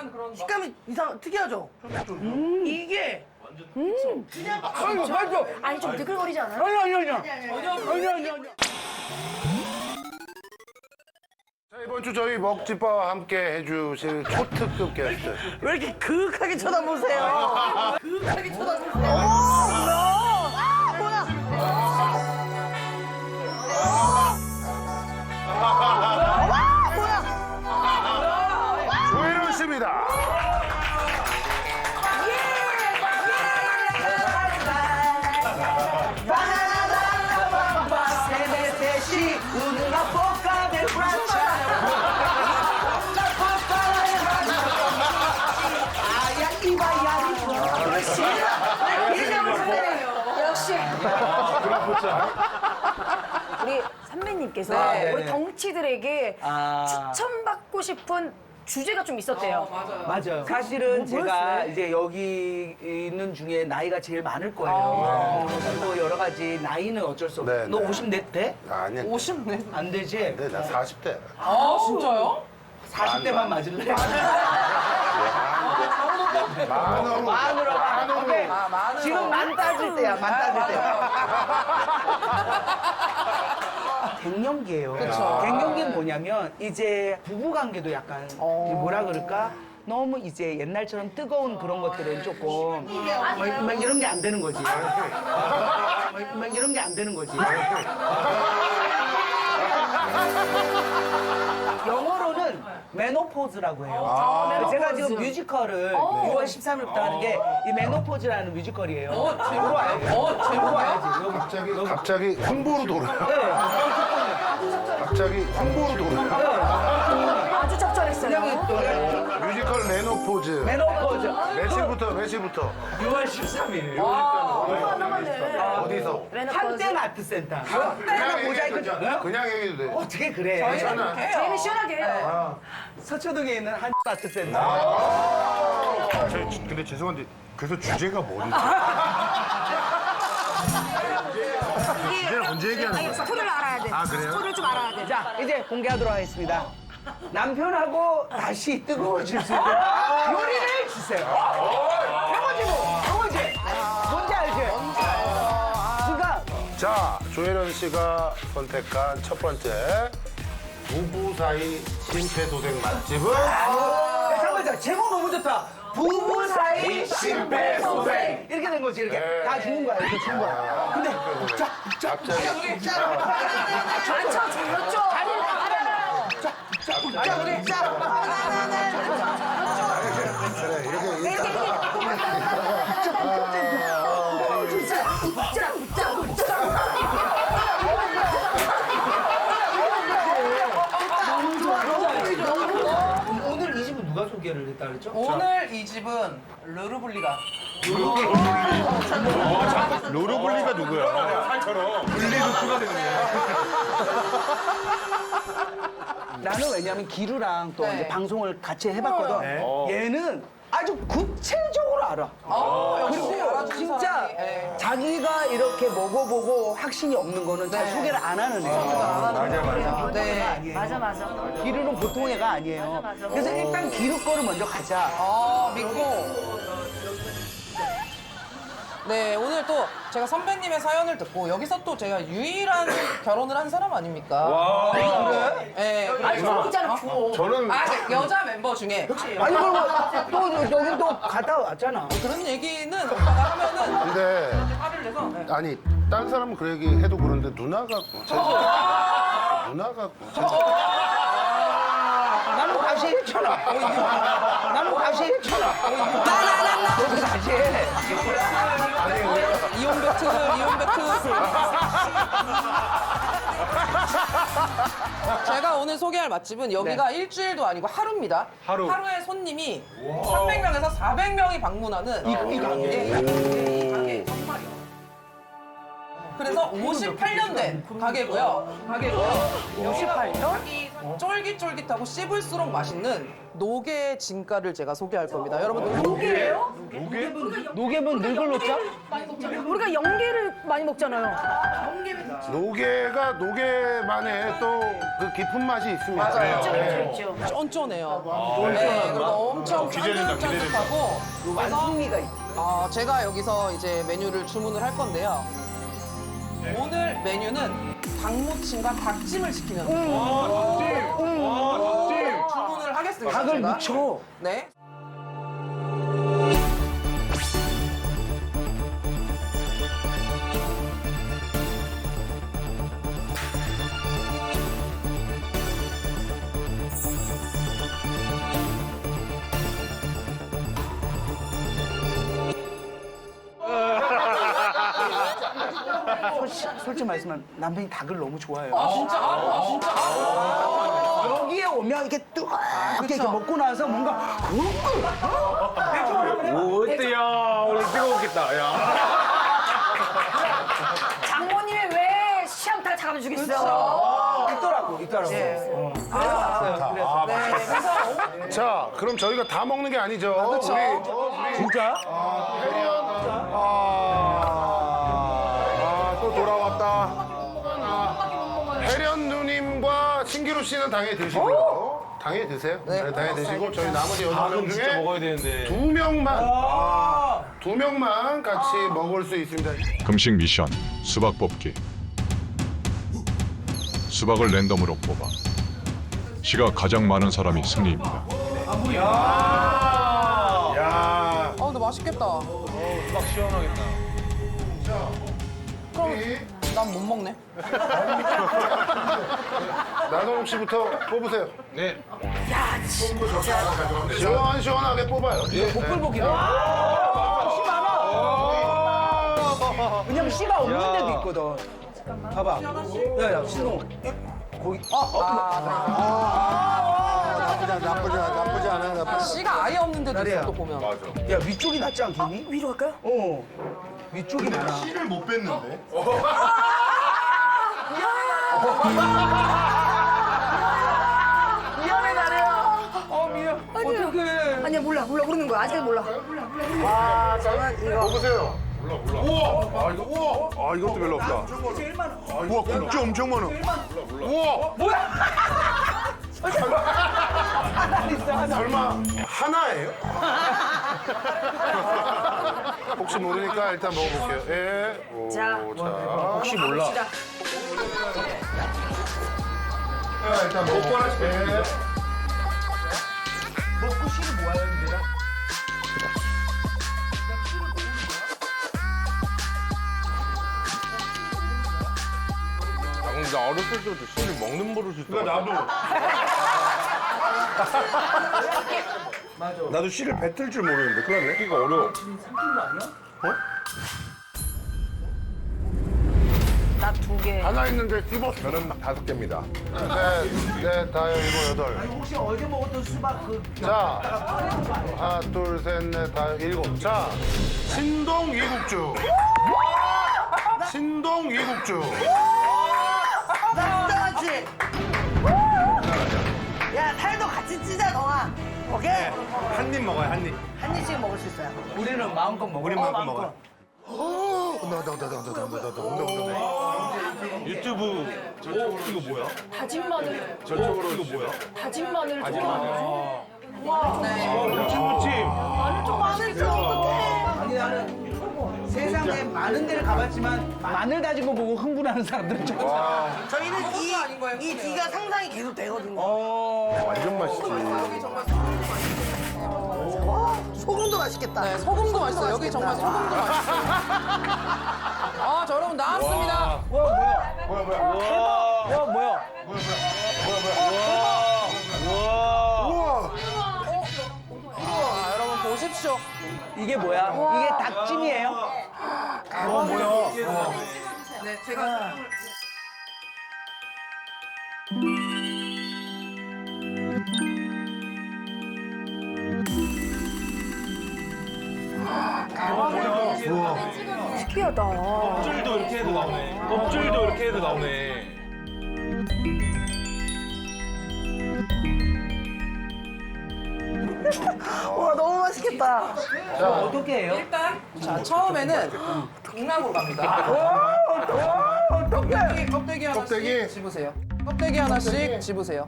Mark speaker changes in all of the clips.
Speaker 1: 묘한 그런
Speaker 2: 식감이 특이하죠? 이게
Speaker 3: 그냥 맞죠?
Speaker 4: 아니 좀 느글거리지 않아요?
Speaker 3: 아니.
Speaker 5: 자, 이번 주 저희 먹집바와 함께 해주실 초특급 게스트.
Speaker 2: 왜 이렇게 그윽하게 쳐다보세요? 그윽하게 쳐다보세요.
Speaker 5: 조혜련 씨입니다.
Speaker 2: 세메테시 우누가 볶아내 브라차 아야 이바야 그렇지
Speaker 4: 역시 우리 선배님께서
Speaker 2: 네,
Speaker 4: 우리
Speaker 2: 네.
Speaker 4: 덩치들에게
Speaker 2: 아.
Speaker 4: 추천받고 싶은 주제가 좀 있었대요.
Speaker 1: 맞아요.
Speaker 2: 맞아요. 사실은 제가
Speaker 4: 뭐였어요?
Speaker 2: 이제 여기 있는 중에 나이가 제일 많을 거예요. 그리고 여러 가지 나이는 어쩔 수 없어.
Speaker 5: 네,
Speaker 2: 너
Speaker 5: 네.
Speaker 2: 50넷 돼?
Speaker 5: 아니야.
Speaker 1: 50네.
Speaker 2: 안 되지?
Speaker 5: 네, 나 40대.
Speaker 1: 아, 진짜요?
Speaker 2: 40대만 맞을래?
Speaker 5: 만으로.
Speaker 2: 만으로. 오케이.
Speaker 1: 만으로.
Speaker 2: 지금 만 따질 때야, 만 따질 때야. 갱년기예요.
Speaker 1: 그쵸.
Speaker 2: 갱년기는 뭐냐면 이제 부부 관계도 약간 뭐라 그럴까? 너무 이제 옛날처럼 뜨거운 그런 것들은 조금 막 이런 게 안 되는 거지. 막 이런 게 안 되는 거지. 영어로는 메노포즈라고 해요. 제가 지금 뮤지컬을 6월 13일부터 하는 게 이 메노포즈라는 뮤지컬이에요. 제목 알지? 제목 알지? 여기.
Speaker 5: 갑자기 홍보로 돌아요.
Speaker 2: 네.
Speaker 5: 갑자기 홍보로 돌아요.
Speaker 4: 아주 적절했어요.
Speaker 5: 뮤지컬 메노포즈.
Speaker 2: 메노포즈.
Speaker 5: 며칠부터?
Speaker 2: 6월 13일.
Speaker 5: 어디서?
Speaker 2: 한땡 아트센터.
Speaker 5: 그냥
Speaker 2: 모자이크
Speaker 5: 얘기해도 돼. 그냥 얘기해도 돼.
Speaker 2: 어떻게 그래?
Speaker 5: 괜찮아.
Speaker 4: 저희는 시원하게 해요.
Speaker 2: 서초동에 있는 한 아트센터.
Speaker 5: 근데 죄송한데 그래서 주제가 뭐지? 주제를 언제 얘기하는
Speaker 4: 아니,
Speaker 5: 거야?
Speaker 4: 스토리를 알아야 돼.
Speaker 5: 아, 그래요?
Speaker 4: 스토리를 좀 알아야 돼.
Speaker 2: 자, 이제 공개하도록 하겠습니다. 남편하고 다시 뜨거워질 수 있는 요리를 주세요. 이거지. 뭔지 알지? 그러니까
Speaker 5: 자, 조혜련 씨가 선택한 첫 번째 부부 사이 심폐소생 맛집은
Speaker 2: 잠깐만, 제목 너무 좋다. 부부 사이 심폐소생. 이렇게 된 거지, 이렇게.
Speaker 5: 네.
Speaker 2: 다 주는 거야, 이렇게 주는 거야. 근데
Speaker 5: 갑자기
Speaker 4: 그렇죠, 그렇죠.
Speaker 5: 그래 이렇게
Speaker 2: 오늘 이 집은 누가 소개를 했다 그랬죠?
Speaker 1: 오늘 이 집은 르르블리가.
Speaker 5: 로로블리가 누구야? 살처럼 분리도 추가되네.
Speaker 2: 나는 왜냐면 기루랑 또
Speaker 1: 네.
Speaker 2: 이제 방송을 같이 해봤거든. 얘는 아주 구체적으로 알아.
Speaker 1: 역시
Speaker 2: 그리고
Speaker 1: 알아주는
Speaker 2: 진짜
Speaker 1: 사람이, 예.
Speaker 2: 자기가 이렇게 먹어보고 확신이 없는 거는 잘 소개를 안 하는 애야.
Speaker 5: 맞아.
Speaker 1: 네.
Speaker 4: 맞아.
Speaker 2: 기루는 보통 애가 아니에요.
Speaker 4: 맞아.
Speaker 2: 그래서 일단 기루 거를 먼저 가자.
Speaker 1: 믿고. 네, 오늘 또 제가 선배님의 사연을 듣고 여기서 또 제가 유일한 결혼을 한 사람 아닙니까? 와, 그래? 네.
Speaker 4: 아니, 주호 있잖아, 주호.
Speaker 5: 저는
Speaker 1: 네, 여자 멤버 중에
Speaker 2: 아니 그리고 또 여기 또 갔다 왔잖아.
Speaker 1: 그런 얘기는 오빠가 하면은
Speaker 5: 근데
Speaker 1: 화를 내서 네.
Speaker 5: 아니 딴 사람은 그 얘기 해도 그런데 누나가
Speaker 2: 나는 다시 했잖아. 나는 다시 했잖아. 너도 다시 해.
Speaker 1: 이온 배틀. 제가 오늘 소개할 맛집은 여기가 일주일도 아니고 하루입니다. 하루에 손님이 300명에서 400명이 방문하는 이 가게 정말이요. 그래서 58년 된 가게고요.
Speaker 4: 58년?
Speaker 1: 쫄깃쫄깃하고 씹을수록 맛있는 노게 진가를 제가 소개할 겁니다. 여러분들
Speaker 4: 노게예요?
Speaker 2: 노개면 늙을로짜?
Speaker 4: 우리가 연계를 많이 먹잖아요.
Speaker 5: 노게가 노게만의 또 그 깊은 맛이 있습니다.
Speaker 1: 맞아요.
Speaker 4: 있죠.
Speaker 1: 쫀쫀해요. 네, 그리고 엄청 쫀쫀쫀쫀하고
Speaker 4: 완성미가 있
Speaker 1: 제가 여기서 이제 메뉴를 주문을 할 건데요. 오늘 메뉴는 닭무침과 닭찜을 시키는 주문을 하겠습니다.
Speaker 2: 닭을
Speaker 1: 제가.
Speaker 2: 무쳐.
Speaker 1: 네.
Speaker 2: 솔직히 말씀하면 남편이 닭을 너무 좋아해요.
Speaker 1: 진짜?
Speaker 2: 여기에 오면 이렇게 뜨겁게 이렇게 먹고 나서 뭔가
Speaker 3: 오, 어때요? 오늘 뜨거웠겠다. 야.
Speaker 4: 장모님이 왜 시암탉 잡아 주겠어?
Speaker 2: 있더라고.
Speaker 1: 네, 그래서
Speaker 5: 자, 그럼 저희가 다 먹는 게 아니죠.
Speaker 1: 그쵸.
Speaker 5: 우리
Speaker 2: 진짜?
Speaker 5: 또 돌아왔다. 혜련 누님과 신기루 씨는 당연히 드시고요. 당연히 드세요. 네, 당연히 드시고 저희 나머지 8명
Speaker 3: 진짜
Speaker 5: 중에
Speaker 3: 먹어야 되는데.
Speaker 5: 두 명만 같이 먹을 수 있습니다.
Speaker 6: 금식 미션 수박 뽑기. 수박을 랜덤으로 뽑아 씨가 가장 많은 사람이 승리입니다.
Speaker 5: 야,
Speaker 1: 근데 맛있겠다.
Speaker 3: 막 시원하겠다.
Speaker 1: 난 못 먹네.
Speaker 5: 나선욱 씨부터 뽑으세요.
Speaker 3: 네.
Speaker 5: 시원시원하게 뽑아요.
Speaker 2: 복불복이다. 씨 많아. 왜냐면 씨가 없는 데도 있거든. 봐봐. 야야 신동. 거기
Speaker 5: 나쁘지 않아.
Speaker 1: 씨가 아예 없는 데도 있어, 또 보면.
Speaker 2: 야 위쪽이 낫지 않겠니?
Speaker 4: 위로 갈까요?
Speaker 2: 위쪽이 많아.
Speaker 5: 씨를 못 뺐는데.
Speaker 2: 미안해 나래야. 미안. 어떡해.
Speaker 4: 아니야 몰라 모르는 거야. 아직 몰라.
Speaker 5: 뽑으세요. 우와! 이것도 별로 없다. 우와, 국주 엄청 많아. 우와! 설마 하나예요? 혹시 모르니까 일단 먹어볼게요. 예. 오,
Speaker 4: 자.
Speaker 5: 혹시 몰라.
Speaker 4: 봅시다.
Speaker 5: 일단 먹고 예.
Speaker 2: 먹고 씨를 모아야 됩니다.
Speaker 3: 근데 나 어렸을 때부터 씨를 먹는 버릇이 있어. 나도.
Speaker 5: 나도 씨를 뱉을 줄 모르는데 큰일 났네.
Speaker 3: 먹기가 어려워.
Speaker 4: 나 2개.
Speaker 5: 하나 있는데 씹어. 저는 5개입니다. 넷, 다섯, 일곱, 여덟.
Speaker 2: 혹시 어제 먹었던 수박 그
Speaker 5: 자, 하나, 둘, 셋, 넷, 다섯, 일곱. 자, 신동 이국주. 신동 이국주.
Speaker 7: 그렇지. 야, 살도 같이 찌자, 너아. 오케이?
Speaker 3: 한 입 먹어요, 한 입.
Speaker 7: 한 입씩 먹을 수 있어요.
Speaker 2: 우리는 마음껏 먹어.
Speaker 3: 우리 만큼 먹어요. 유튜브 저쪽으로 이거 뭐야?
Speaker 4: 다진 마늘.
Speaker 3: 저쪽으로 이거 뭐야?
Speaker 4: 다진 마늘.
Speaker 3: 무침
Speaker 4: 마늘 좀
Speaker 2: 아니 나는 세상에 많은 데를 가봤지만 마늘 다진 거 보고 흥분하는 사람들은 좀.
Speaker 7: 저희는 이 뒤가 상상이 계속 되거든요.
Speaker 5: 완전 맛있지.
Speaker 7: 소금도 맛있겠다.
Speaker 1: 네, 소금도 맛있어요. 여기 정말 소금도 맛있어요. 자, 여러분 나왔습니다.
Speaker 2: 와 뭐야?
Speaker 1: 여러분 보십시오.
Speaker 2: 이게 뭐야? 이게 닭찜이에요?
Speaker 1: 네, 제가
Speaker 4: 특이하다.
Speaker 3: 껍질도 이렇게 해도 나오네. 껍질도 이렇게 해도 나오네.
Speaker 7: 와 너무 맛있겠다.
Speaker 2: 어떻게 해요?
Speaker 1: 일단 자 처음에는 극락으로 갑니다. 껍데기 하나씩
Speaker 5: 껍데기?
Speaker 1: 집으세요. 껍데기 하나씩 집으세요.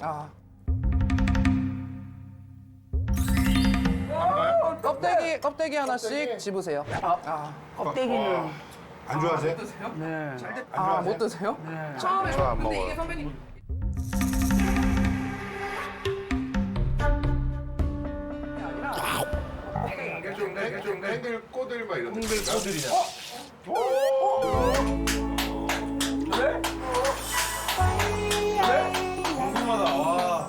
Speaker 1: 껍데기 하나씩 집으세요.
Speaker 2: 껍데기는
Speaker 5: 안 좋아하세요?
Speaker 2: 네.
Speaker 1: 못 드세요? 처음에
Speaker 5: 저 안
Speaker 1: 근데
Speaker 5: 먹어요.
Speaker 1: 이게 선배님
Speaker 5: 좀 땡글 꼬들 막 이런 거.
Speaker 3: 궁금하다. 와.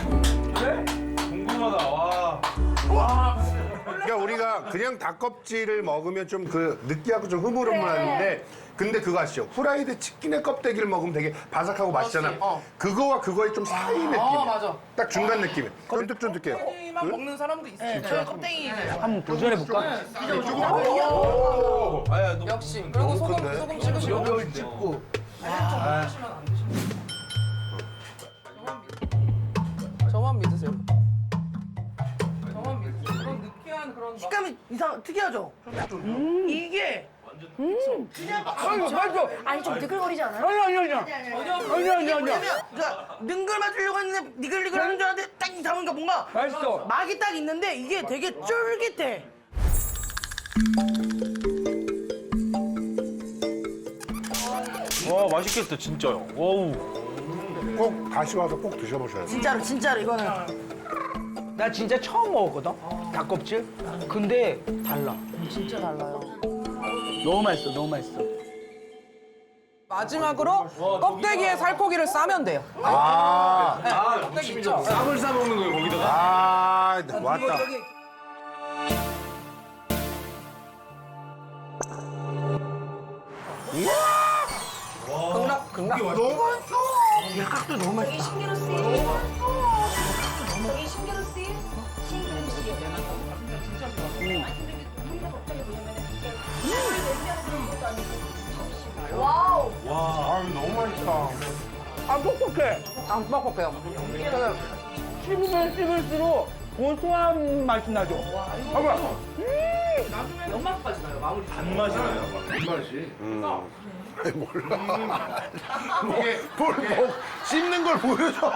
Speaker 3: 궁금하다. 와.
Speaker 5: 그러니까 우리가 그냥 닭껍질을 먹으면 좀 그 느끼하고 좀 흐물흐물한데 근데 그거 아시죠? 후라이드 치킨의 껍데기를 먹으면 되게 바삭하고 맛있잖아. 그거와 그거의 좀 사이 느낌.
Speaker 1: 맞아.
Speaker 5: 딱 중간 느낌이. 쫀득쫀득해요.
Speaker 1: 껍데기만 먹는 사람도 있어요. 저는 껍데기
Speaker 2: 한번 도전해볼까?
Speaker 3: 아야 너
Speaker 1: 역시. 그리고 소금 찍으시고.
Speaker 2: 이걸 찍고.
Speaker 1: 저만 믿으세요. 저만 믿으세요. 그런 느끼한 그런 막
Speaker 7: 식감이 특이하죠? 이게
Speaker 2: 맞아.
Speaker 4: 아니 좀 느글거리지 않아요?
Speaker 2: 아니.
Speaker 7: 뭐냐면 그러니까 능글 맞으려고 했는데 니글니글한 줄 알았는데 딱 잡으니까 뭔가
Speaker 2: 맛있어.
Speaker 7: 막이 딱 있는데 이게 되게 쫄깃해.
Speaker 3: 와 맛있겠다 진짜요. 와우.
Speaker 5: 꼭 다시 와서 꼭 드셔보셔야 돼요.
Speaker 7: 진짜로 이거는
Speaker 2: 나 진짜 처음 먹었거든. 닭껍질. 근데 달라.
Speaker 1: 진짜 달라요.
Speaker 2: 너무 맛있어. 너무 맛있어.
Speaker 1: 마지막으로 껍데기에 살코기를 싸면 돼요. 껍데기 있죠?
Speaker 3: 쌈을 싸 먹는 거예요 거기다가.
Speaker 5: 아, 왔다.
Speaker 1: 극락.
Speaker 5: 너무 맛있어.
Speaker 7: 각도 너무 맛있다.
Speaker 4: 신기루 씨. 저기 신기루 씨. 신기루 씨. 와우.
Speaker 5: 아, 너무 맛있다.
Speaker 2: 안 뻑뻑해.
Speaker 1: 안 뻑뻑해요.
Speaker 2: 씹으면 씹을수록 고소한 맛이 나죠. 봐봐.
Speaker 3: 단맛이 나요.
Speaker 5: 아니, 몰라. 이게 뭘 씹는 걸 보여줘.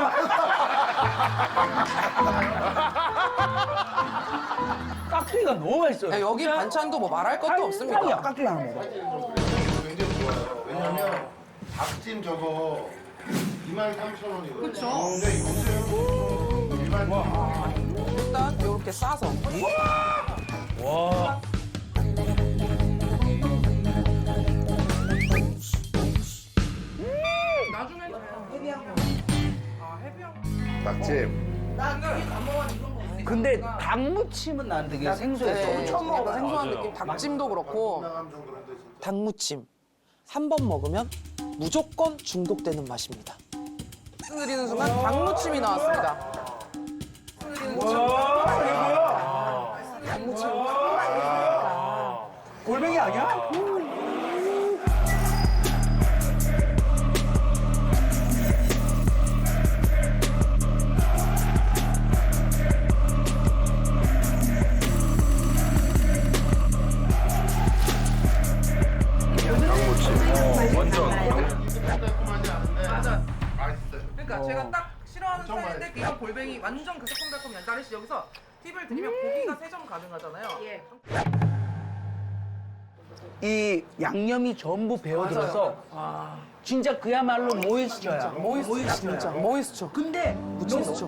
Speaker 2: 깍두기가 너무 맛있어요.
Speaker 1: 야, 여기 반찬도 뭐 말할 것도 없습니다.
Speaker 2: 야 깍두기 하나 먹어.
Speaker 5: 굉장히 좋아요. 왜냐면 닭찜 저거 23,000원이거든요. 그렇죠. 근데 이거는 일반
Speaker 1: 일단 이렇게 싸서.
Speaker 3: 와.
Speaker 5: 닭찜.
Speaker 2: 근데 닭무침은 난 되게 생소했어.
Speaker 1: 처음 먹어봐. 생소한 느낌. 닭찜도 그렇고. 닭무침. 한 번 먹으면 무조건 중독되는 맛입니다. 말씀드리는 순간 닭무침이 나왔습니다.
Speaker 2: 골뱅이 아니야?
Speaker 1: 그러니까 제가 딱 싫어하는 스타일인데 이건 골뱅이 완전 그 새콤달콤 얀다리씨 여기서 팁을 드리면 고기가 3점 가능하잖아요.
Speaker 2: 이 양념이 전부 배어들어서 진짜 그야말로 모이스처야.
Speaker 1: 모이스처 진짜. 모이스처.
Speaker 2: 근데
Speaker 1: 무침도.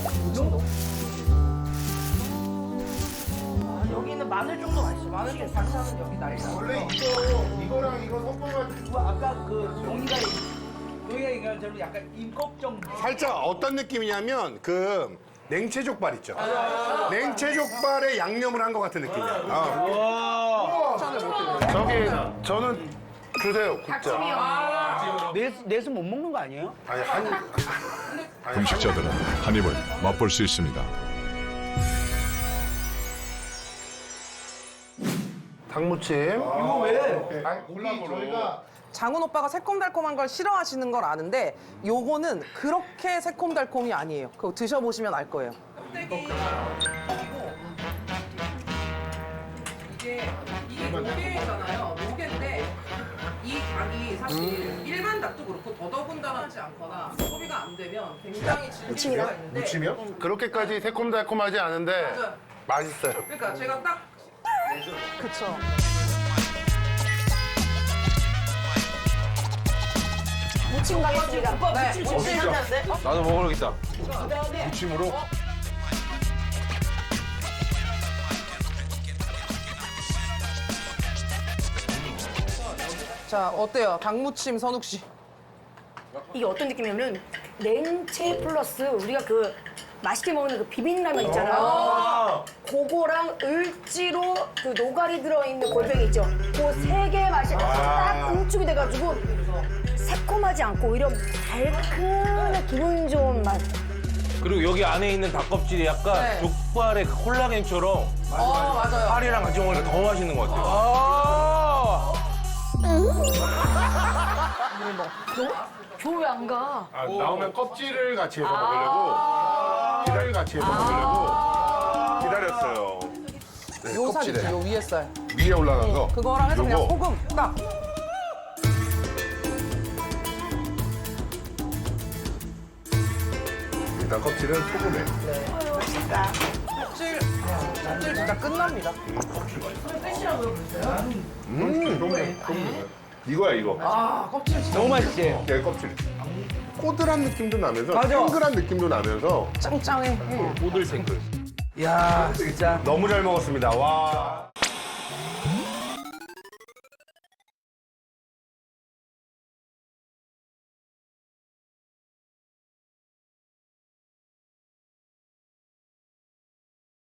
Speaker 7: 여기는 마늘 정도 맛있어. 마늘 좀 반찬은 여기 날짜.
Speaker 5: 원래 이거랑 이거 섞어가지고
Speaker 2: 아까 그 동이가 얘기한 대로 약간 임꺽정.
Speaker 5: 살짝 어떤 느낌이냐면 그 냉채족발 있죠. 냉채족발에 양념을 한 것 같은 느낌이야. 저기 저는 주세요 국자.
Speaker 2: 내수 못 먹는 거 아니에요?
Speaker 5: 아니 한
Speaker 6: 금식자들은 한 입을 맛볼 수 있습니다.
Speaker 8: 닭무침.
Speaker 3: 이거 왜?
Speaker 8: 저희가
Speaker 1: 장훈 오빠가 새콤달콤한 걸 싫어하시는 걸 아는데 요거는 그렇게 새콤달콤이 아니에요. 그거 드셔보시면 알 거예요. 이게 노게잖아요. 노게인데 이 닭이 사실 일반 닭도 그렇고 더더군다나 하지 않거나 소비가 안 되면 굉장히 질릴 수가 있는데
Speaker 8: 무침이요? 그렇게까지 새콤달콤하지 않은데
Speaker 1: 맞아요.
Speaker 8: 맛있어요.
Speaker 1: 그러니까 제가 딱 그쵸.
Speaker 4: 무침 가겠습니다.
Speaker 1: 네.
Speaker 3: 나도 먹어야겠다.
Speaker 8: 무침으로.
Speaker 1: 자 어때요? 닭무침 선욱 씨.
Speaker 4: 이게 어떤 느낌이냐면 냉채 플러스 우리가 그 맛있게 먹는 그 비빔라면 있잖아요. 그거랑 을지로 그 노가리 들어있는 골뱅이 있죠. 그 세 개의 맛이 딱 응축이 돼가지고 새콤하지 않고 오히려 달큰한 기분 좋은 맛.
Speaker 3: 그리고 여기 안에 있는 닭껍질이 약간
Speaker 1: 네.
Speaker 3: 족발의 그 콜라겐처럼
Speaker 1: 맞아요.
Speaker 3: 살이랑 같이 먹으니까 더 맛있는 것 같아요.
Speaker 4: 교회 안 가.
Speaker 8: 아, 나오면 껍질을 같이 해서 먹으려고. 피를 같이 해서 먹으려고 기다렸어요. 네,
Speaker 1: 요 살
Speaker 8: 껍질에.
Speaker 1: 있죠, 요 위에 살.
Speaker 8: 위에 올라간 거.
Speaker 1: 그거랑 해서 그냥
Speaker 8: 요거.
Speaker 1: 소금 딱.
Speaker 8: 일단 껍질은 소금에.
Speaker 1: 껍질 진짜 끝납니다.
Speaker 8: 이거야 이거.
Speaker 1: 아 껍질 진짜
Speaker 2: 너무 맛있지?
Speaker 8: 네, 껍질. 꼬들한 느낌도 나면서
Speaker 2: 맞아.
Speaker 8: 탱글한 느낌도 나면서
Speaker 1: 짱짱해.
Speaker 3: 꼬들탱글.
Speaker 2: 야 진짜.
Speaker 5: 너무 잘 먹었습니다. 와.